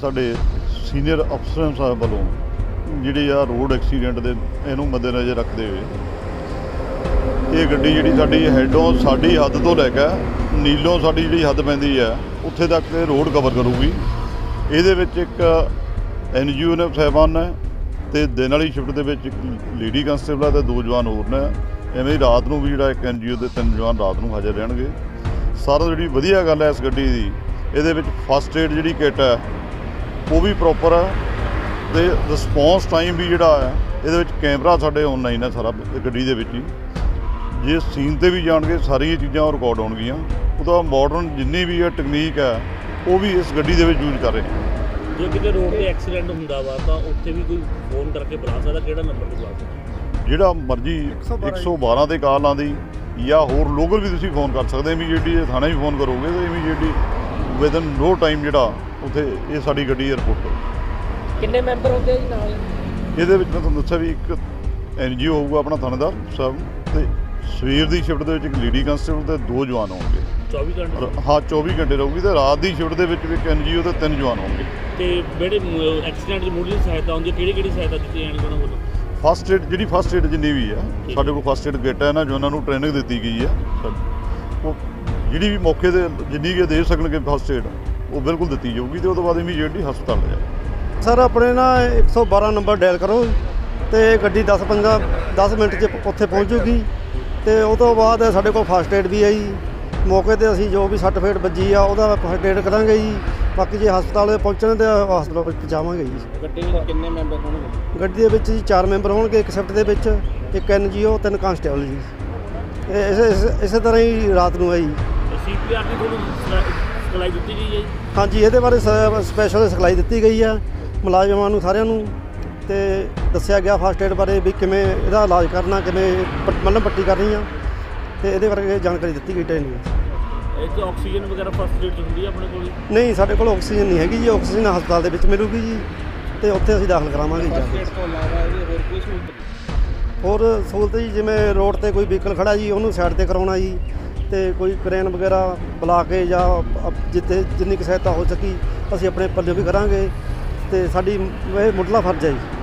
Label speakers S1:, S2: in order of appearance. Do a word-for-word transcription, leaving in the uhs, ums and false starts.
S1: ਸਾਡੇ ਸੀਨੀਅਰ ਅਫਸਰਾਂ ਸਾਹਿਬ ਵੱਲੋਂ ਜਿਹੜੀ ਆ ਰੋਡ ਐਕਸੀਡੈਂਟ ਦੇ ਇਹਨੂੰ ਮੱਦੇਨਜ਼ਰ ਰੱਖਦੇ ਹੋਏ ਇਹ ਗੱਡੀ ਜਿਹੜੀ ਸਾਡੀ ਹੈਡੋਂ ਸਾਡੀ ਹੱਦ ਤੋਂ ਲੈ ਕੇ ਨੀਲੋਂ ਸਾਡੀ ਜਿਹੜੀ ਹੱਦ ਪੈਂਦੀ ਆ ਉੱਥੇ ਤੱਕ ਇਹ ਰੋਡ ਕਵਰ ਕਰੂਗੀ। ਇਹਦੇ ਵਿੱਚ ਇੱਕ ਐਨ ਜੀ ਓ ਨੇ ਸਾਹਿਬਾਨ ਹੈ ਅਤੇ ਦਿਨ ਵਾਲੀ ਸ਼ਿਫਟ ਦੇ ਵਿੱਚ ਇੱਕ ਲੇਡੀ ਕੰਸਟੇਬਲ ਅਤੇ ਦੋ ਜਵਾਨ ਹੋਰ ਨੇ। ਐਵੇਂ ਹੀ ਰਾਤ ਨੂੰ ਵੀ ਜਿਹੜਾ ਇੱਕ ਐਨ ਜੀ ਓ ਦੇ ਤਿੰਨ ਜਵਾਨ ਰਾਤ ਨੂੰ ਹਾਜ਼ਰ ਰਹਿਣਗੇ। ਸਾਰਾ ਜਿਹੜੀ ਵਧੀਆ ਗੱਲ ਹੈ ਇਸ ਗੱਡੀ ਦੀ, ਇਹਦੇ ਵਿੱਚ ਫਸਟ ਏਡ ਜਿਹੜੀ ਕਿੱਟ ਹੈ ਉਹ ਵੀ ਪ੍ਰੋਪਰ ਹੈ ਅਤੇ ਰਿਸਪੌਂਸ ਟਾਈਮ ਵੀ ਜਿਹੜਾ ਹੈ ਇਹਦੇ ਵਿੱਚ ਕੈਮਰਾ ਸਾਡੇ ਔਨਲਾਈਨ ਹੈ ਸਾਰਾ ਗੱਡੀ ਦੇ ਵਿੱਚ ਹੀ। ਜੇ ਸੀਨ 'ਤੇ ਵੀ ਜਾਣਗੇ ਸਾਰੀਆਂ ਚੀਜ਼ਾਂ ਰਿਕਾਰਡ ਹੋਣਗੀਆਂ। ਉਹਦਾ ਮਾਡਰਨ ਜਿੰਨੀ ਵੀ ਹੈ ਟੈਕਨੀਕ ਹੈ ਉਹ ਵੀ ਇਸ ਗੱਡੀ ਦੇ ਵਿੱਚ ਯੂਜ਼ ਕਰ ਰਹੇ ਹਾਂ।
S2: ਜੇ ਕਿਤੇ ਰੋਡ 'ਤੇ ਐਕਸੀਡੈਂਟ ਹੁੰਦਾ ਵਾ ਤਾਂ ਉੱਥੇ ਵੀ ਕੋਈ ਫੋਨ ਕਰਕੇ ਬੁਲਾ ਸਕਦਾ? ਕਿਹੜਾ ਨੰਬਰ 'ਤੇ ਬੁਲਾ ਸਕਦਾ?
S1: ਜਿਹੜਾ ਮਰਜ਼ੀ ਇੱਕ ਸੌ ਬਾਰਾਂ 'ਤੇ ਕਾਲ ਆਉਂਦੀ ਜਾਂ ਹੋਰ ਲੋਕਲ ਵੀ ਤੁਸੀਂ ਫੋਨ ਕਰ ਸਕਦੇ। ਇਮੀਡੀਏਟਲੀ ਜੇ ਥਾਣੇ ਵੀ ਫੋਨ ਕਰੋਗੇ ਤਾਂ ਇਮੀਡੀਏਟਲੀ ਵਿਦਨ ਨੋ ਟਾਈਮ ਜਿਹੜਾ ਉੱਥੇ ਇਹ ਸਾਡੀ ਗੱਡੀ ਏਅਰਪੋਰਟ ਤੋਂ।
S2: ਕਿੰਨੇ ਮੈਂਬਰ ਹੁੰਦੇ ਆ ਜੀ ਨਾਲ?
S1: ਇਹਦੇ ਵਿੱਚ ਮੈਂ ਤੁਹਾਨੂੰ ਦੱਸਿਆ ਵੀ ਇੱਕ ਐਨ ਜੀ ਓ ਹੋਊਗਾ ਆਪਣਾ ਥਾਣੇਦਾਰ ਸਾਹਿਬ, ਅਤੇ ਸਵੇਰ ਦੀ ਸ਼ਿਫਟ ਦੇ ਵਿੱਚ ਇੱਕ ਲੇਡੀ ਕੰਸਟੇਬਲ ਅਤੇ ਦੋ ਜਵਾਨ ਹੋਣਗੇ।
S2: ਚੌਵੀ ਘੰਟੇ?
S1: ਹਾਂ ਚੌਵੀ ਘੰਟੇ ਰਹੂਗੀ। ਅਤੇ ਰਾਤ ਦੀ ਸ਼ਿਫਟ ਦੇ ਵਿੱਚ ਵੀ ਇੱਕ ਐਨ ਜੀ ਓ ਅਤੇ ਤਿੰਨ ਜਵਾਨ ਹੋਣਗੇ।
S2: ਅਤੇ ਜਿਹੜੇ ਐਕਸੀਡੈਂਟ ਦੀ ਮੁੱਢਲੀ ਸਹਾਇਤਾ ਹੁੰਦੀ ਹੈ ਕਿਹੜੀ ਕਿਹੜੀ ਸਹਾਇਤਾ ਦਿੱਤੀ ਜਾਣੀ ਉਹਨਾਂ ਵੱਲੋਂ?
S1: ਫਸਟ ਏਡ ਜਿਹੜੀ ਫਸਟ ਏਡ ਜਿੰਨੀ ਵੀ ਆ ਸਾਡੇ ਕੋਲ ਫਸਟ ਏਡ ਕਿੱਟ ਹੈ ਨਾ, ਜੋ ਉਹਨਾਂ ਨੂੰ ਟ੍ਰੇਨਿੰਗ ਦਿੱਤੀ ਗਈ ਹੈ। ਉਹ ਜਿਹੜੀ ਵੀ ਮੌਕੇ 'ਤੇ ਜਿੰਨੀ ਕੁ ਦੇ ਸਕਣਗੇ ਫਸਟ ਏਡ ਉਹ ਬਿਲਕੁਲ ਦਿੱਤੀ ਜਾਊਗੀ ਅਤੇ ਉਹ ਤੋਂ ਬਾਅਦ ਇਮੀਡੀਏਟਲੀ ਹਸਪਤਾਲ ਲੈ ਜਾਏ।
S3: ਸਰ ਆਪਣੇ ਨਾ ਇੱਕ ਸੌ ਬਾਰਾਂ ਨੰਬਰ ਡਾਇਲ ਕਰੋ ਅਤੇ ਗੱਡੀ ਦਸ ਪੰਦਰਾਂ ਦਸ ਮਿੰਟ 'ਚ ਉੱਥੇ ਪਹੁੰਚ ਜੂਗੀ। ਅਤੇ ਉਹ ਤੋਂ ਬਾਅਦ ਸਾਡੇ ਕੋਲ ਫਸਟ ਏਡ ਵੀ ਹੈ ਜੀ। ਮੌਕੇ 'ਤੇ ਅਸੀਂ ਜੋ ਵੀ ਸੱਟ ਫੇਟ ਵੱਜੀ ਆ ਉਹਦਾ ਫਸਟ ਏਡ ਕਰਾਂਗੇ ਜੀ। ਬਾਕੀ ਜੇ ਹਸਪਤਾਲ ਪਹੁੰਚਣ ਤਾਂ ਹਸਪਤਾਲ ਵਿੱਚ ਪਹੁੰਚਾਵਾਂਗੇ ਜੀ।
S2: ਗੱਡੀ ਵਿੱਚ ਕਿੰਨੇ ਮੈਂਬਰ ਹੋਣਗੇ?
S3: ਗੱਡੀ ਦੇ ਵਿੱਚ ਜੀ ਚਾਰ ਮੈਂਬਰ ਹੋਣਗੇ ਇੱਕ ਸ਼ਿਫਟ ਦੇ ਵਿੱਚ, ਇੱਕ ਐਨ ਜੀ ਓ, ਤਿੰਨ ਕਾਂਸਟੇਬਲ ਜੀ। ਇਹ ਇਸੇ ਇਸੇ- ਇਸੇ ਤਰ੍ਹਾਂ ਹੀ ਰਾਤ ਨੂੰ ਹੈ ਜੀ।
S2: ਸੀ ਪੀ ਆਰ ਦੀ ਤੁਹਾਨੂੰ ਸਿਖਲਾਈ ਦਿੱਤੀ ਗਈ ਹੈ ਜੀ?
S3: ਹਾਂਜੀ, ਇਹਦੇ ਬਾਰੇ ਸ ਸਪੈਸ਼ਲ ਸਿਖਲਾਈ ਦਿੱਤੀ ਗਈ ਆ ਮੁਲਾਜ਼ਮਾਂ ਨੂੰ ਸਾਰਿਆਂ ਨੂੰ, ਅਤੇ ਦੱਸਿਆ ਗਿਆ ਫਸਟ ਏਡ ਬਾਰੇ ਵੀ ਕਿਵੇਂ ਇਹਦਾ ਇਲਾਜ ਕਰਨਾ, ਕਿਵੇਂ ਮੱਲ੍ਹਮ ਪੱਟੀ ਕਰਨੀ ਆ, ਅਤੇ ਇਹਦੇ ਬਾਰੇ ਜਾਣਕਾਰੀ ਦਿੱਤੀ ਗਈ ਟ੍ਰੇਨਿੰਗ।
S2: ਇੱਕ ਆਕਸੀਜਨ ਵਗੈਰਾ ਫਸਟ ਏਡ 'ਚ ਹੁੰਦੀ ਹੈ ਆਪਣੇ ਕੋਲ?
S3: ਨਹੀਂ, ਸਾਡੇ ਕੋਲ ਆਕਸੀਜਨ ਨਹੀਂ ਹੈਗੀ ਜੀ। ਆਕਸੀਜਨ ਹਸਪਤਾਲ ਦੇ ਵਿੱਚ ਮਿਲੂਗੀ ਜੀ, ਅਤੇ ਉੱਥੇ ਅਸੀਂ ਦਾਖਲ ਕਰਾਵਾਂਗੇ ਜੀ।
S2: ਫਸਟ ਏਡ ਤੋਂ ਇਲਾਵਾ ਇਹਦੀ ਹੋਰ ਕੋਈ ਸਹੂਲਤ?
S3: ਹੋਰ ਸਹੂਲਤ ਜੀ, ਜਿਵੇਂ ਰੋਡ 'ਤੇ ਕੋਈ ਵਹੀਕਲ ਖੜ੍ਹਾ ਜੀ ਉਹਨੂੰ ਸਾਈਡ 'ਤੇ ਕਰਾਉਣਾ ਜੀ, ਅਤੇ ਕੋਈ ਕਰੇਨ ਵਗੈਰਾ ਬੁਲਾ ਕੇ ਜਾਂ ਜਿੱਥੇ ਜਿੰਨੀ ਕੁ ਸਹਾਇਤਾ ਹੋ ਸਕੀ ਅਸੀਂ ਆਪਣੇ ਪੱਲੇ ਵੀ ਕਰਾਂਗੇ, ਅਤੇ ਸਾਡੀ ਇਹ ਮੁੱਢਲਾ ਫਰਜ਼ ਹੈ ਜੀ।